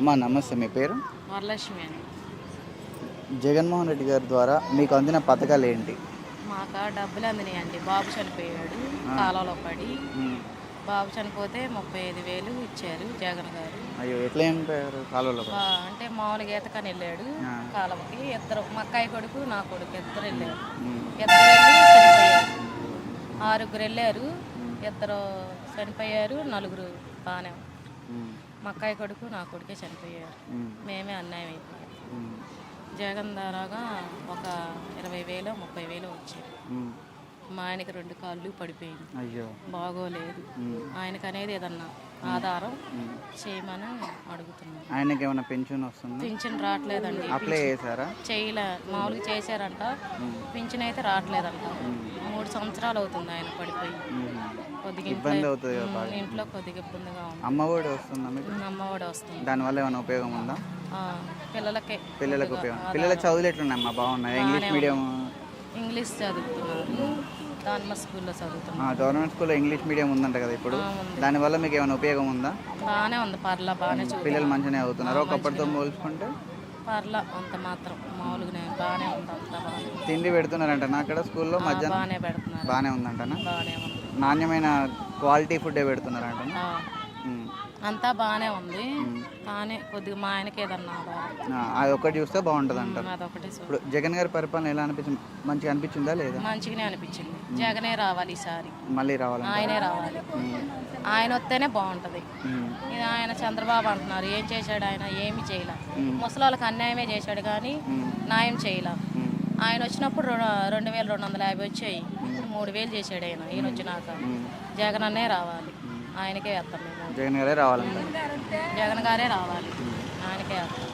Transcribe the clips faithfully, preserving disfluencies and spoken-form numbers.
అమ్మా నమస్తే, మీ పేరు? వరలక్ష్మి అని. జగన్మోహన్ రెడ్డి గారి ద్వారా మీకు అందిన పథకాలు ఏంటి? మాకు డబ్బులు అందినాయండి. బాబు చనిపోయాడు కాలంలో పడి. బాబు చనిపోతే ముప్పై ఐదు వేలు ఇచ్చారు జగన్ గారు. అయ్యో, ఎట్లా చనిపోయారు? కాలువలో అంటే మామూలుగా ఈతకని వెళ్ళాడు కాలువకి. ఇద్దరు మా అక్కాయి కొడుకు నా కొడుకు ఇద్దరు వెళ్ళారు. ఇద్దరు వెళ్ళి చనిపోయారు. ఆరుగురు వెళ్ళారు, ఇద్దరు చనిపోయారు, నలుగురు బాగానే. మా అక్కాయి కొడుకు నా కొడుకే చనిపోయారు. మేమే అన్యాయం అయిపోయాం. జగన్ ద్వారాగా ఒక ఇరవై వేలు ముప్పై వేలు వచ్చాయి. మా ఆయనకి రెండు కాళ్ళు పడిపోయింది. అయ్యో, బాగోలేదు. ఆయనకు అనేది ఏదన్నా ఆధారం చేయమని అడుగుతున్నాను. ఆయనకి ఏమైనా పెన్షన్ వస్తుంది? పింఛన్ రావట్లేదండి. అప్లై చేశారా? చేయలే, మామూలుగా చేశారంట. పింఛన్ అయితే రావట్లేదంట. మూడు సంవత్సరాలు అవుతుంది ఆయన పడిపోయి. కొద్దిగా ఇబ్బంది అవుతుంది, ఇంట్లో కొద్దిగా ఇబ్బందిగా ఉంది. అమ్మఒడి వస్తుందా మీకు? అమ్మఒడి వస్తుంది. దానివల్ల ఏమైనా ఉపయోగం ఉందా? పిల్లలకే పిల్లలకు ఉపయోగం. పిల్లల చదువులు ఎట్లున్నాయమ్మా? బాగున్నాయి? ఇంగ్లీష్ మీడియం ఇంగ్లీష్ చదువుతున్నారు. గవర్నమెంట్ స్కూల్లో చదువుతున్నారు. గవర్నమెంట్ స్కూల్లో ఇంగ్లీష్ మీడియం ఉందంట కదా ఇప్పుడు. దానివల్ల మీకు ఏమైనా ఉపయోగం ఉందా? బాగానే ఉంది, పర్లా బాగానే. పిల్లలు మంచిగానే అవుతున్నారు ఒకప్పటితో పోల్చుకుంటే? పర్లా అంత మాత్రం మామూలుగానే బాగానే ఉంది. అంత బాగా తిండి పెడుతున్నారంట నా అక్కడ స్కూల్లో మధ్యాహ్నం? బాగానే పెడుతున్నారు. బాగానే ఉందంటనా? బాగానే ఉంది. నాణ్యమైన క్వాలిటీ ఫుడ్డే పెడుతున్నారంట? అంతా బాగానే ఉంది. కానీ కొద్దిగా మా ఆయనకి ఏదన్నా అది ఒకటి చూస్తే బాగుంటుంది అంటారు. అదొకటి. ఇప్పుడు జగన్ గారి పరిపాలన ఎలా అనిపించింది? మంచిగా అనిపించిందా లేదా? మంచిగానే అనిపించింది. జగనే రావాలి ఈసారి. మళ్ళీ రావాలి? ఆయనే రావాలి. ఆయన వస్తేనే బాగుంటుంది. ఇది ఆయన చంద్రబాబు అంటున్నారు, ఏం చేశాడు ఆయన? ఏమి చేయలే. ముసలి వాళ్ళకి అన్యాయమే చేశాడు కానీ న్యాయం చేయలే. ఆయన వచ్చినప్పుడు రెండు వేల రెండు వందల యాభై వచ్చాయి. మూడు వేలు చేశాడు ఆయన. ఈయన వచ్చినాక జగన్ అన్నే రావాలి. ఆయనకే వేస్తాం మేము. జగన్ గారే రావాలంట? జగన్ గారే రావాలి, ఆయనకే వేస్తాం.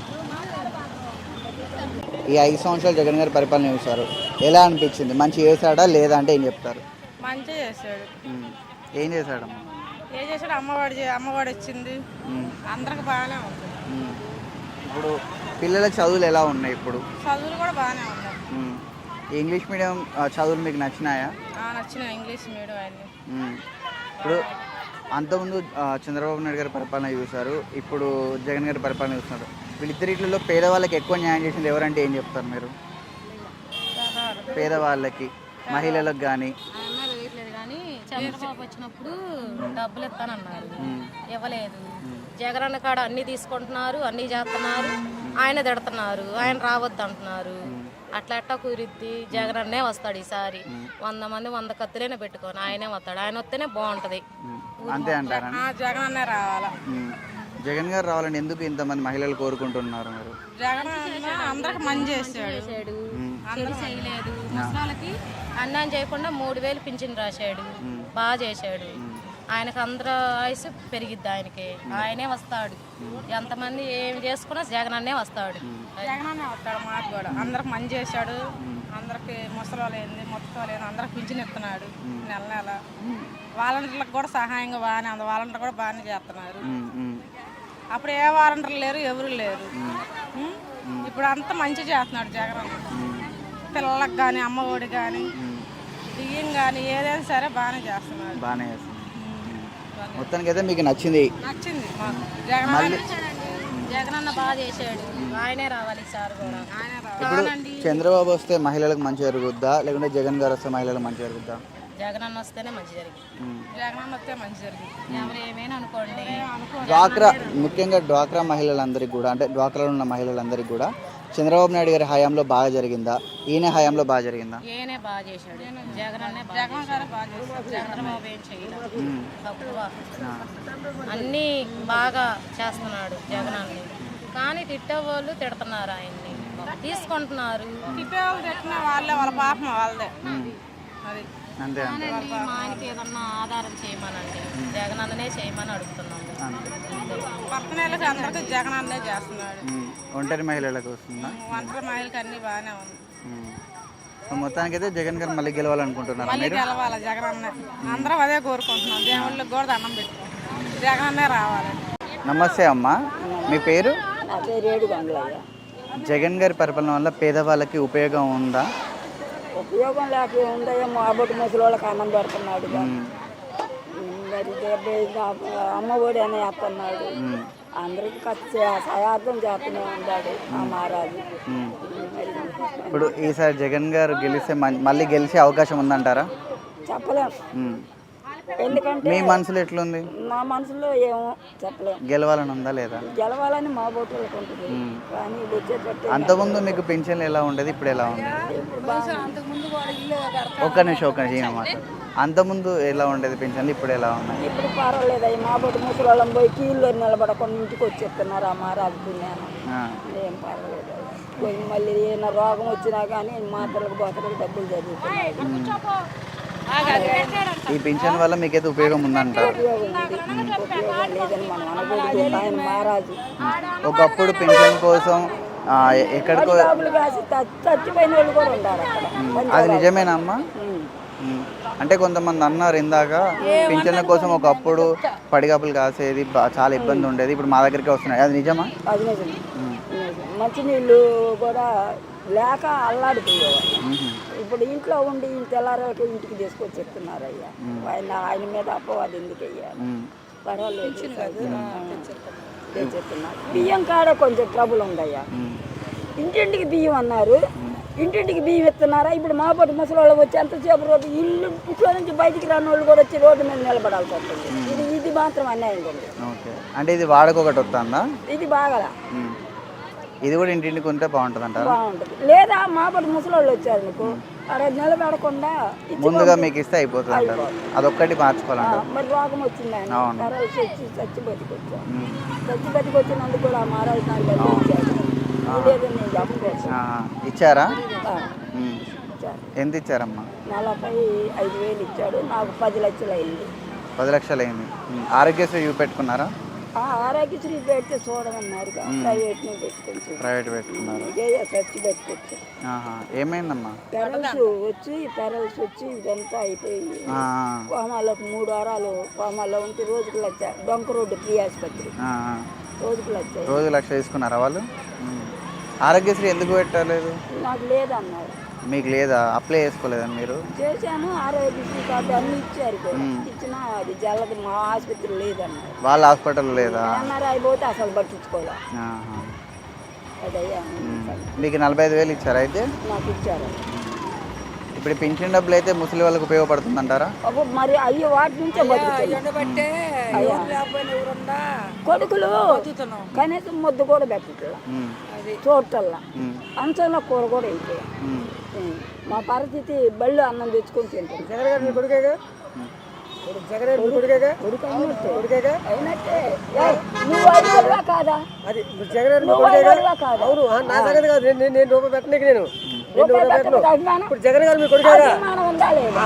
ఈ ఐదు సంవత్సరాలు జగన్ గారి పరిపాలన చూసారు, ఎలా అనిపించింది? మంచి చేశాడా లేదా అంటే ఏం చెప్తారు? మంచిగా చేశాడు. ఏం చేశాడమ్మా? ఏం చేశాడు? అమ్మఒడి అమ్మఒడి వచ్చింది, అందరికి బాగానే ఉంది. ఇప్పుడు పిల్లల చదువులు ఎలా ఉన్నాయి? ఇప్పుడు చదువులు కూడా బాగానే ఉన్నాయి. ఇంగ్లీష్ మీడియం చదువులు మీకు నచ్చినాయా? నచ్చినాయి, ఇంగ్లీష్ మీడియం అన్ని. ఇప్పుడు అంతకుముందు చంద్రబాబు నాయుడు గారి పరిపాలన చూశారు, ఇప్పుడు జగన్ గారి పరిపాలన చూస్తున్నారు. వీళ్ళిద్దరిలో పేదవాళ్ళకి ఎక్కువ న్యాయం చేసింది ఎవరంటే ఏం చెప్తారు మీరు? పేదవాళ్ళకి, మహిళలకు కానీ. కానీ చంద్రబాబు వచ్చినప్పుడు డబ్బులు ఇస్తానన్నారు, ఇవ్వలేదు. జగన్ అన్న కాడ అన్ని తీసుకుంటున్నారు, అన్ని చేస్తున్నారు. ఆయన తిడుతున్నారు, ఆయన రావద్దు అంటున్నారు. అట్లా ఎట్టా కుదిరిద్ది? జగన్ అన్నే వస్తాడు ఈసారి. వంద మంది వంద కత్తులైనా పెట్టుకొని ఆయనే వస్తాడు. ఆయన వస్తేనే బాగుంటది. అంతే అంటారా? జగన్ అన్నే రావాలా. జగన్ గారు రావాలని ఎందుకు ఇంతమంది మహిళలు కోరుకుంటున్నారు మీరు? జగన్ అందరికి మంచి చేశాడు, చేయలేదు. ముసలాళ్ళకి అన్యాయం చేయకుండా మూడు వేలు పింఛన్ రాశాడు, బాగా చేశాడు. ఆయనకు అందరూ ఆయుసు పెరిగిద్ది. ఆయనకి ఆయనే వస్తాడు. ఎంతమంది ఏమి చేసుకున్నా జగన్ అన్నే వస్తాడు. జగన్ అన్నే వస్తాడు. మాకు కూడా అందరికి మంచి చేశాడు. అందరికి ముసలి ఏంది మొత్తం లేదు, అందరికి పింఛన్ ఇస్తున్నాడు నెల నెల. వాలంటీర్లకు కూడా సహాయంగా బాగానే ఉంది. వాలంటీర్ కూడా బాగానే చేస్తున్నారు. అప్పుడు ఏ వాలంటీర్లు లేరు, ఎవరు లేరు. ఇప్పుడు అంతా మంచిగా చేస్తున్నాడు జగన్ అన్న. పిల్లలకు కానీ, అమ్మఒడి కానీ, బియ్యం కానీ ఏదైనా సరే బాగానే చేస్తున్నాడు. బాగానే చేస్తున్నాడు. మొత్తానికి అయితే మీకు నచ్చింది? నచ్చింది మాకు. జగన్ జగన్ అన్న బాగా చేశాడు, ఆయనే రావాలి సార్ కూడా. ఇప్పుడు చంద్రబాబు వస్తే మహిళలకు మంచి జరుగుద్దా, లేకుంటే జగన్ గారు వస్తే మహిళలకు మంచి జరుగుద్దా? జగన్ అన్న వస్తేనే మంచి జరిగింది. జగన్ అన్న వస్తే మంచి జరిగింది. ఎవరు ఏమైనా అనుకోండి. డ్వాక్రా, ముఖ్యంగా డ్వాక్రా మహిళలందరికీ కూడా, అంటే డ్వాక్రాలో ఉన్న మహిళలందరికీ కూడా చంద్రబాబు నాయుడు గారి హయాంలో బాగా జరిగిందా, ఈయన హయాంలో బాగా జరిగిందా? ఈయనే బాగా చేశాడు. జగన్ అన్నే జగన్ గారు బాగా చేశాడు. చంద్రబాబు ఏం చేయలేదు, తక్కువ. అన్నీ బాగా చేస్తున్నాడు జగన్ అన్ని. కానీ తిట్టేవాళ్ళు తిడుతున్నారు ఆయన్ని, తీసుకుంటున్నారు. తిట్టేవాళ్ళు తిట్టిన వాళ్ళే, వాళ్ళ పాపం వాళ్ళదే. అది అంతే. మా ఆయనకి ఏదన్నా ఆధారం చేయమనండి, జగన్ అన్ననే చేయమని అడుగుతున్నాము. పక్కనకి అందరికీ జగన్ అన్నే చేస్తున్నాడు. ఒంటరి మహిళలకు వస్తుందా? ఒంటరి మహిళకి అన్ని బాగానే ఉంది. మొత్తానికి అయితే జగన్ గారు మళ్ళీ గెలవాలనుకుంటున్నారు. మళ్ళీ గెలవాలి జగన్ అన్న. అందరం అదే కోరుకుంటున్నాం. దేవుళ్ళకి కూడా దండం పెట్టుకుంటున్నాం, జగన్ అన్నే రావాలి. నమస్తే అమ్మా, మీ పేరు? జగన్ గారి పరిపాలన వల్ల పేదవాళ్ళకి ఉపయోగం ఉందా? ఉపయోగం లేక ఉందేమో. అబ్బటి ముసలి వాళ్ళకి అన్నం పెడుతున్నాడు, మరి అమ్మ ఒడి అని వేస్తున్నాడు. అందరికి ఖర్చు చే- సహార్థం చేస్తూనే ఉన్నాడు ఆ మహారాజు. ఉమ్. మరి ఇప్పుడు ఈసారి జగన్ గారు గెలిస్తే మన్- మళ్ళీ గెలిచే అవకాశం ఉందంటారా? చెప్పలేం, ఉమ్. ఎందుకంటే మీ మనసులో ఎట్లుంది? మా మనసులో ఏమో చెప్పలేం. గెలవాలని ఉందా లేదా? గెలవాలని మా బోటలకు ఉంటుంది, కానీ వచ్చేటట్టు అంతకుముందు మీకు పింఛన్లు ఎలా ఉండేది, ఇప్పుడు ఎలా ఉంది? ఇప్పుడు బాగా ఒక్క నిమిషం ఒక్క నిమిషం అన్నమాట. అంతకుముందు ఎలా ఉండేది పింఛన్లు, ఇప్పుడు ఎలా ఉన్నాయి? ఇప్పుడు పర్వాలేదు. అవి మా బొట్టు ముసలి పోయి కీళ్ళు నిలబడకుండా ఇంటికి వచ్చేస్తున్నారు ఆ మహారాజు పుణ్యాన. ఆ. ఏం పర్వాలేదు. పోయి మళ్ళీ ఏమైనా రోగం వచ్చినా కానీ మాత్రలకు బోతలకు డబ్బులు జరుగుతున్నాయి. ఈ పింఛన్ వల్ల మీకైతే ఉపయోగం ఉందంటారు? ఉపయోగం ఉంది, ఉపయోగం లేదని మనం అనకూడదు. ఆయన మహారాజు ఒకప్పుడు పింఛన్ కోసం ఆ, ఎక్కడికో డబ్బులు కాసి చ- చచ్చిపోయిన వాళ్ళు కూడా ఉన్నారు అక్కడ. అది నిజమేనా అమ్మా? ఉమ్. ఉమ్. అంటే కొంతమంది అన్నారు ఇందాక పింఛన్ల కోసం ఒకప్పుడు పడిగాపులు కాసేది, బా- చాలా ఇబ్బంది ఉండేది, ఇప్పుడు మా దగ్గరికి వస్తున్నాయి, అది నిజమా? అది నిజం, నిజం. మంచినీళ్ళు కూడా లేక అల్లాడిపోయేవాళ్ళు. మ్మ్. ఇప్పుడు ఇంట్లో ఉండి తెల్లారకు ఇంటికి తీసుకొచ్చి చెప్తున్నారు అయ్యా. ఆయన ఆయన మీద అపవాది ఎందుకు అయ్యా? మ్మ్. పర్వాలేదు, తెచ్చేస్తున్నారు. బియ్యం కాడ కొంచెం ట్రబుల్ ఉందయ్యా. మ్మ్. ఇంటింటికి బియ్యం అన్నారు, ఇంటింటికి బియ్యం ఇస్తున్నారా? ఇప్పుడు మా పొట్టి ముసలి వాళ్ళు వచ్చి ఎంతసేపు రోడ్డు ఇల్లు ఇంట్లో నుంచి బయటికి రాని వాళ్ళు కూడా వచ్చి రోడ్డు మీద నిలబడాల్సి వస్తుంది. ఇది ఇది మాత్రం అన్యాయం ఉంది. ఓకే, అంటే ఇది వాడకొకటి వస్తుందా? ఇది బాగా మ్మ్. ఇది కూడా ఇంటింటికి ఉంటే బాగుంటుంది అంటారా? బాగుంటుంది. లేదా మా పొట్టి ముసలి వాళ్ళు వచ్చారు నీకు అక్కడ నిలబడకుండా ఇచ్చి ముందుగా మీకు ఇస్తే అయిపోతుంది అంటారు, అదొక్కటి మార్చుకోవాలంటారు. మరి రోగం వచ్చింది ఆయన అవును. కరోసి వచ్చి చచ్చి బతికొచ్చాను. మ్మ్. చచ్చి బతికొచ్చినందుకు కూడా ఆ మహారాజు నాకు డబ్బులు ఇచ్చాడు. లేదని నేను చెప్పలేదు. ఆ, ఇచ్చారా? ఆ, మ్మ్. ఇచ్చాడు. ఎంత ఇచ్చారమ్మా? నలభై ఐదు వేలు ఇచ్చాడు, నాకు పది లక్షలు అయింది. పది లక్షలు అయింది. మ్మ్. ఆరోగ్యశ్రీ చూపెట్టుకున్నారా? ఆ ఆరోగ్యశ్రీ పెడితే చూడమన్నారు, ప్రైవేట్ ను పెట్టుకోవచ్చు. ప్రైవేట్ పెట్టుకున్నారు. ఇదే ఖర్చు పెట్టుకోవచ్చు. ఆహా. ఏమైందమ్మా? పెరల్స్ వచ్చి పెరల్స్ వచ్చి ఇదంతా అయిపోయి ఆ, కోమాలోకి మూడు వారాలు కోమాలో ఉంటే రోజుకు లక్ష. డొంక రోడ్డు ప్రీ ఆసుపత్రి ఆ, ఆ. రోజుకు లక్ష. రోజు లక్ష తీసుకున్నారా వాళ్ళు? మ్మ్. ఆరోగ్యశ్రీ ఎందుకు పెట్టలేదు? నాకు లేదన్నారు. మీకు లేదా? అప్లై చేసుకోలేదా మీరు? చేశాను, ఆరోగ్యశ్రీ కార్డు అన్ని ఇచ్చారు కూడా. ఇచ్చినా అది జల్లది మా ఆసుపత్రి లేదన్నారు. వాళ్ళ హాస్పిటల్ లేదా? అన్నారు అయిపోతే అసలు పట్టించుకోలే. ఆహా. అదయ్యా మీకు నలభై ఐదు వేలు ఇచ్చారా అయితే? నాకు ఇచ్చారు. ఇప్పుడు ఈ పింఛన్ డబ్బులు అయితే ముసలి వాళ్ళకి ఉపయోగపడుతుంది అంటారా? అప్పుడు మరి అయ్యి వాటి నుంచే బతుకుతుంది. అయ్యా. కొడుకులు కనీసం ముద్దు కూడా పెట్టట్లా, మ్మ్. చూడటల్లా. మ్మ్. అంచంలో కూర కూడా అయిపోయా. మ్మ్. మా పరిస్థితి బళ్ళు అన్నం తెచ్చుకొని తింటాం. కొడుకు అయినట్టే. అయినట్టే. ఏయ్, నువ్వు ఐదుగురువా కాదా? నువ్వు ఐదుగురువా కాదా? రూపాయి పెట్టకపోతే అభిమానం? అభిమానం ఉందా లేదా?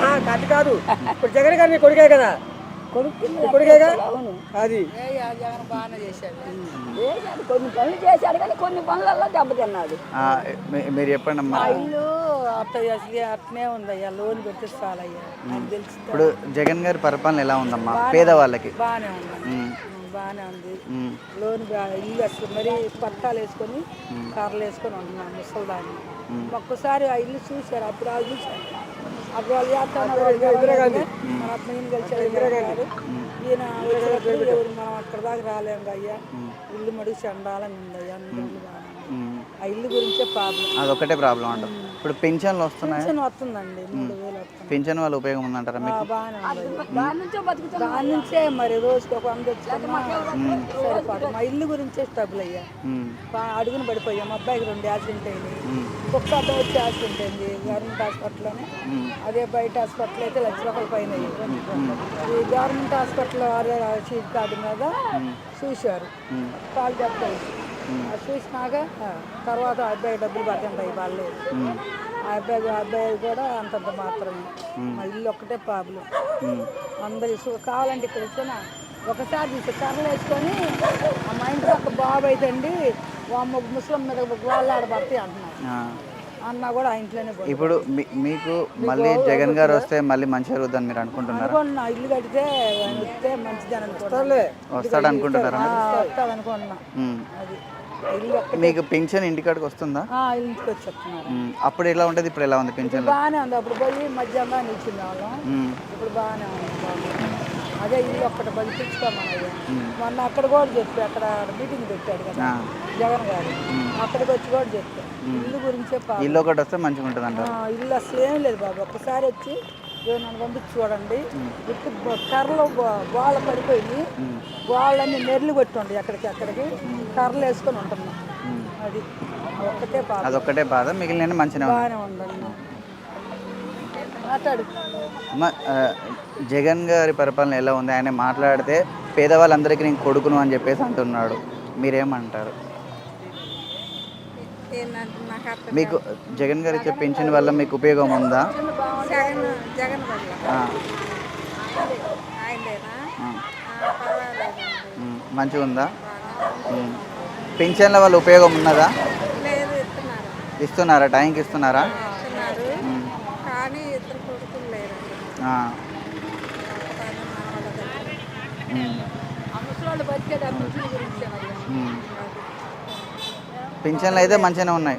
కొడుకు కింద అవును. చేశాడు, కొన్ని పనులు చేశాడు, కానీ కొన్ని పనులలో దెబ్బతిన్నాడు. ఆ, మీ- మీరు చెప్పండి అమ్మా. ఇల్లు అత్తయ్య అసలు అట్నే ఉందయ్యా, లోన్ పెట్టి చాలయ్యా. నాకు తెలుసు. ఇప్పుడు జగన్ గారి పరిపాలన ఎలా ఉందమ్మా పేదవాళ్ళకి? బాగానే ఉంది, మ్మ్. బాగానే ఉంది. మ్మ్. లోన్ బా- ఇల్లు అసలు మరి పట్టాలు వేసుకొని కర్రలు వేసుకొని ఉంటున్నాం ముసలిదాన్ని. ఒక్కసారి ఆ ఇల్లు చూశారు, అప్పుడు వాళ్ళు చూశారు. అప్పుడు వాళ్ళు చేస్తాను మన అత్తయ్యని కలిసారు ఇందిరాగారు. ఈయన వచ్చినప్పుడు ఎవరు మనం అక్కడ దాకా రాలేము అయ్యా. ఇల్లు మడిగి చండాలని ఉందయ్యా. అన్ని ఇల్లు బాగానే ఉంది. మ్మ్. ఆ ఇల్లు గురించే ప్రాబ్లం. అదొక్కటే ప్రాబ్లం అంటారు. ఇప్పుడు పింఛన్లు వస్తున్నాయి, పెన్షన్ వస్తుందండి, మూడు వేలు వస్తుంది. పింఛన్ వల్ల ఉపయోగం ఉందంటారా మీకు? బాగానే ఉంది. దాని నుంచే మరి రోజుకి ఒక వంద తెచ్చుకున్నా సరిపోదు. మా ఇల్లు గురించే స్టబుల్ అయ్యా. మ్మ్. బా- అడుగుని పడిపోయాం. మా అబ్బాయికి రెండు యాక్సిడెంట్ అయింది, మ్మ్. ఒక్క అబ్బాయి వచ్చి యాక్సిడెంట్ అయింది గవర్నమెంట్ హాస్పిటల్లోనే. మ్మ్. అదే బయట హాస్పిటల్ అయితే లక్ష రూపాయల పైన అయ్యింది. ఈ గవర్నమెంట్ హాస్పిటల్ వారే షీట్ కార్డు మీద చూశారు, మ్మ్. కాలు చెప్తాయి. చూసినాక ఆ, తర్వాత ఆ అబ్బాయి డబ్బులు పడుతుంటాయి వాళ్ళు. మ్మ్. ఆ అబ్బాయి ఆ అబ్బాయి కూడా అంతంత మాత్రమే. మా ఇల్లు ఒక్కటే ప్రాబ్లం. మ్మ్. అందరు ఇసు కావాలంటే ఇక్కడ వచ్చిన ఒకసారి తీసి కర్రలు వేసుకొని మా ఇంటి పక్క బాబు అయితే అండి వాళ్ళ ముస్లిం మీద వాళ్ళు ఆడబడతాయి అంటున్నారు. ఆ. అన్న కూడా ఆ ఇంట్లోనే పోయి ఇప్పుడు మీ- మీకు మళ్ళీ జగన్ గారు వస్తే మళ్ళీ మంచి జరుగుతుందని మీరు అనుకుంటున్నారా? అనుకున్నా, ఇల్లు కడితే ఆయన వస్తే మంచిదని అనుకుంటా. వస్తాడు అనుకుంటున్నారా? వస్తాడు అనుకున్నా. మ్మ్. అది ఇల్లు ఒక్క మీకు పింఛన్ ఇంటికాడికి వస్తుందా? ఆ, ఇంటికి వచ్చి చెప్తున్నారు. మ్మ్. అప్పుడు ఎలా ఉంటుంది, ఇప్పుడు ఎలా ఉంది పింఛన్? బాగానే ఉంది. అప్పుడు పోయి మధ్యాహ్నం నిలిచింది వాళ్ళం, మ్మ్. ఇప్పుడు బాగానే ఉంది. బాగుంది. అదే ఇల్లు ఒక్కటి బతికించుకోమన్నయ్య. మొన్న అక్కడ కూడా చెప్పి అక్కడ మీటింగ్ పెట్టాడు కదా జగన్ గారు, అక్కడికి వచ్చి కూడా చెప్పాడు ఇల్లు గురించే. ఇల్లు ఒకటి వస్తే మంచిగా ఉంటుంది అంట. ఇల్లు అసలు ఏం లేదు బాబు, ఒక్కసారి వచ్చి నన్ను పంపించి చూడండి. ఇప్పుడు కర్రలు గోళ్ళ పడిపోయి గోళ్ళన్నీ నెర్లు కొట్టుండి ఎక్కడికి అక్కడికి కర్రలు వేసుకొని ఉంటున్నాం. అది ఒక్కటే బాధ, అదొక్కటే బాధ, మిగిలిన మంచిగా బాగానే ఉండండి. మాట్లాడు. జగన్ గారి పరిపాలన ఎలా ఉంది? ఆయన మాట్లాడితే పేదవాళ్ళందరికీ నేను కొడుకును అని చెప్పేసి అంటున్నాడు, మీరేమంటారు? మీకు జగన్ గారు ఇచ్చే పెన్షన్ వల్ల మీకు ఉపయోగం ఉందా? మంచిగా ఉందా? పెన్షన్ల వల్ల ఉపయోగం ఉన్నదా? ఇస్తున్నారా? టైంకి ఇస్తున్నారా? పింఛన్లు అయితే మంచిగానే ఉన్నాయి.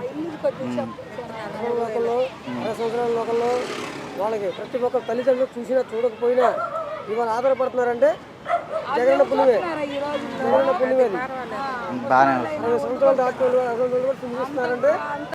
లోకల్లో వాళ్ళకి ప్రతి ఒక్క తల్లిదండ్రులు చూసినా చూడకపోయినా ఇవాళ ఆధారపడుతున్నారంటే జగన్ పులివే జగన్ పులివేది బాగానే సంవత్సరాలు డాక్టర్లు అసలు చూపిస్తున్నారంటే